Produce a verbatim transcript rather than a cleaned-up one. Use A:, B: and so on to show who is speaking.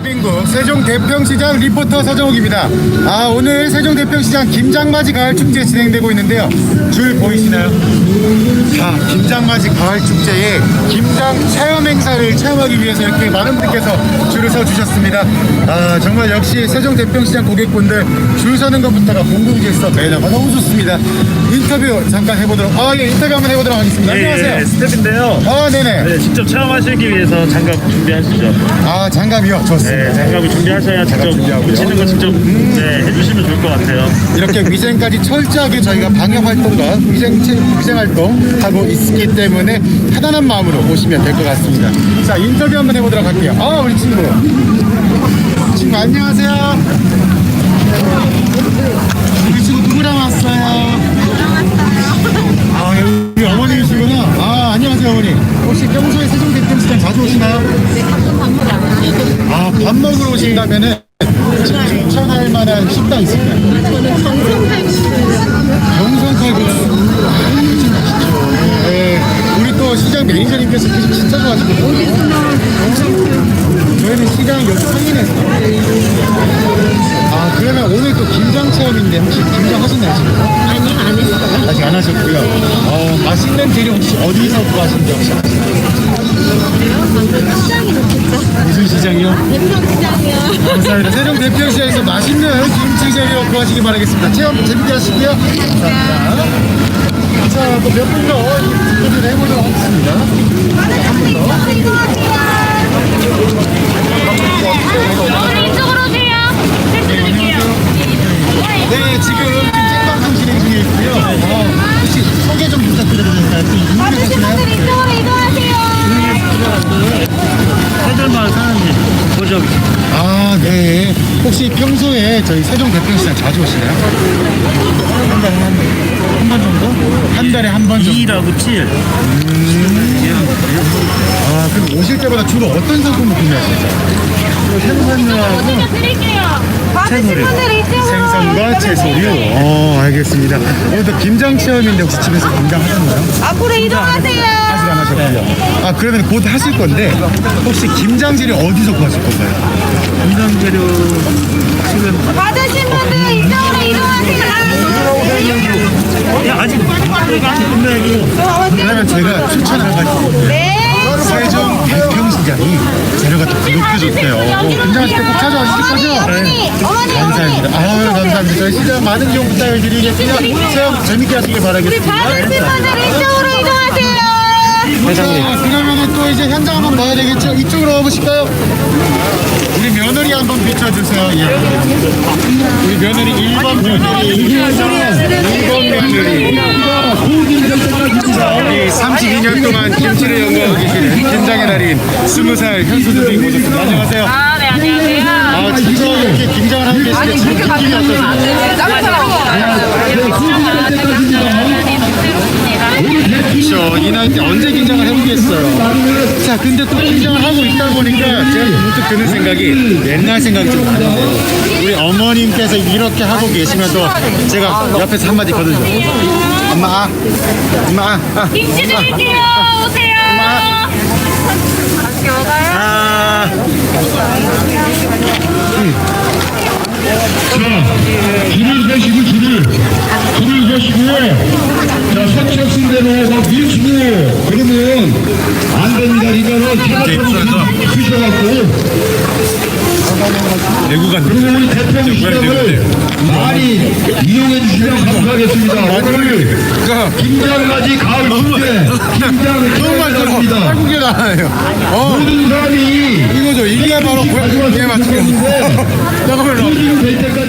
A: 대한민국 세종대평시장 리포터 서정욱입니다. 아, 오늘 세종대평시장 김장맞이 가을축제 진행되고 있는데요. 줄 보이시나요? 자, 김장맞이 가을축제에 김장 체험 행사를 체험하기 위해서 이렇게 많은 분들께서 줄을 서주셨습니다. 아, 정말 역시 세종대평시장 고객분들 줄 서는 것부터가 공공질서 매너가 너무 좋습니다. 인터뷰 잠깐 해보도록, 아, 예, 인터뷰 한번 해보도록 하겠습니다.
B: 예,
A: 안녕하세요.
B: 예, 스텝인데요.
A: 아, 네네.
B: 네, 직접 체험하시기 위해서 장갑 준비하시죠.
A: 아, 장갑이요? 좋습니다.
B: 네, 장갑을 준비하셔야 직접 붙이는 거 직접 음. 네, 해주시면 좋을 것 같아요.
A: 이렇게 위생까지 철저하게 저희가 방역 활동과 위생, 위생 활동 하고 있기 때문에 편안한 마음으로 오시면 될 것 같습니다. 자, 인터뷰 한번 해보도록 할게요. 아, 우리 친구. 친구, 안녕하세요. 우리 친구 누구랑 왔어요? 아, 우리 어머님이시구나. 아, 안녕하세요, 어머니. 혹시 평소에 세종대평시장 자주 오시나요?
C: 네, 가끔 밥 먹으러 안 와요.
A: 아, 밥 먹으러 오신다면은 추천할 만한 식당 있을까요?
C: 저는 정성 칼국수.
A: 경선 칼국수. 아, 그치, 맛있죠. 네, 우리 또 시장 매니저님께서 계속 진짜 좋아하시거든요. 저희는 시장 여기 상인에서. 아, 그러면 오늘 또 김장 체험인데 혹시 김장 하셨나요, 지금?
C: 아니, 안 했어요.
A: 아직 안 하셨고요. 어, 맛있는 재료 혹시 어디서 구하시는지 혹시 아시나요?
C: 그래요? 방금 시장이 좋겠죠?
A: 무슨 시장이요?
C: 대평시장이요.
A: 감사합니다. 세종 대평시장에서 맛있는 김치 재료 구하시기 바라겠습니다. 체험 재밌게 하시고요. 감사합니다. 자, 또 몇 분 더 인터뷰를 해보도록 하겠습니다. 한 분 더.
C: 어머니 이쪽으로 오세요. 해드릴게요.
A: 네, 지금 생방송 진행 중에 있고요. 어, 혹시 소개 좀 부탁드려도 될까요? 또
C: 받으신
A: 유명하시나요?
C: 분들 이쪽으로 이동하세요.
B: 해들마을 사장님 보죠.
A: 아, 네. 혹시 평소에 저희 세종 대평시장 자주 오시나요? 한 달에 한 번? 한 번 정도? 한 달에 한 번 정도?
B: 이일하고 칠.
A: 아, 그럼 오실 때마다 주로 어떤 상품을 구매하시죠? 생선류하고
C: 먼저 드릴게요. 받으신
B: 채소류.
C: 분들 이쪽으로
A: 생선과 채소류.
C: 이동하세요.
A: 어, 알겠습니다. 오늘도 김장 체험인데 혹시 집에서 김장 하셨나요?
C: 앞으로 이동하세요.
A: 아직 안 하셨고요. 아, 그러면 곧 하실 건데 혹시 김장 재료 어디서 구하실 건가요?
B: 김장 재료 지금
C: 받으신 분들 이쪽으로 이동하세요.
B: 야, 아직 아직 끝나고.
A: 그러면 제가 추천 한 가지.
C: 네.
A: 세종 대평시장이 재료가 또 그렇게 좋대요. 어, 김장하실 때 꼭 찾아와주실 거죠?
C: 어머니, 어머니,
A: 감사합니다.
C: 어머니.
A: 아유, 감사합니다. 저희 시장 많은 이용 부탁드리겠습니다. 체험 재밌게 하시길
C: 우리
A: 바라겠습니다.
C: 받으신 분들 이쪽으로 이동하세요.
A: 자, 그러면은 또 이제 현장 한번 봐야 되겠죠? 이쪽으로 와보실까요? 우리 며느리 한번 비춰주세요. 예. 우리 며느리 일 번 며느리. 일 번 며느리. 자, 우리 삼십이 년 동안 김치를 연구하고 계시는 김장의 달인 스무 살 현수 선생님 모셨습니다. 안녕하세요.
C: 아, 네, 안녕하세요.
A: 아, 진짜 이렇게 김장을 하고 계시는데 지금 느낌이 어떠세요? 그렇죠. 이 나이 때 언제 김장을 해보겠어요. 자, 근데 또 김장을 하고 있다 보니까 제가 문득 드는 생각이 옛날 생각이 좀 나는데요. 우리 어머님께서 이렇게 하고 계시면 또 제가 옆에서 한마디 거두죠. 엄마, 아, 엄마, 아, 아.
C: 김치 드릴게요. 오세요. 맛있게 먹어요.
A: 아.
D: 줄을 서시고 줄을 줄을 서시고요. 자, 서치신 대로 막 밀치고 그러면 안 됩니다. 이거는 체력으로 드셔갖고
A: 내구가
D: 그러면 우리 대표님 시장을 많이 이용해 주시면 감사하겠습니다. 오늘 김장맞이 가을 축제 김장
A: 정말
D: 축제입니다.
A: 한국에 나와요. 어,
D: 모든 사람이
A: 이거죠. 이게 바로 고향에 맞추겠는데. 잠깐만요.
D: 될 때까지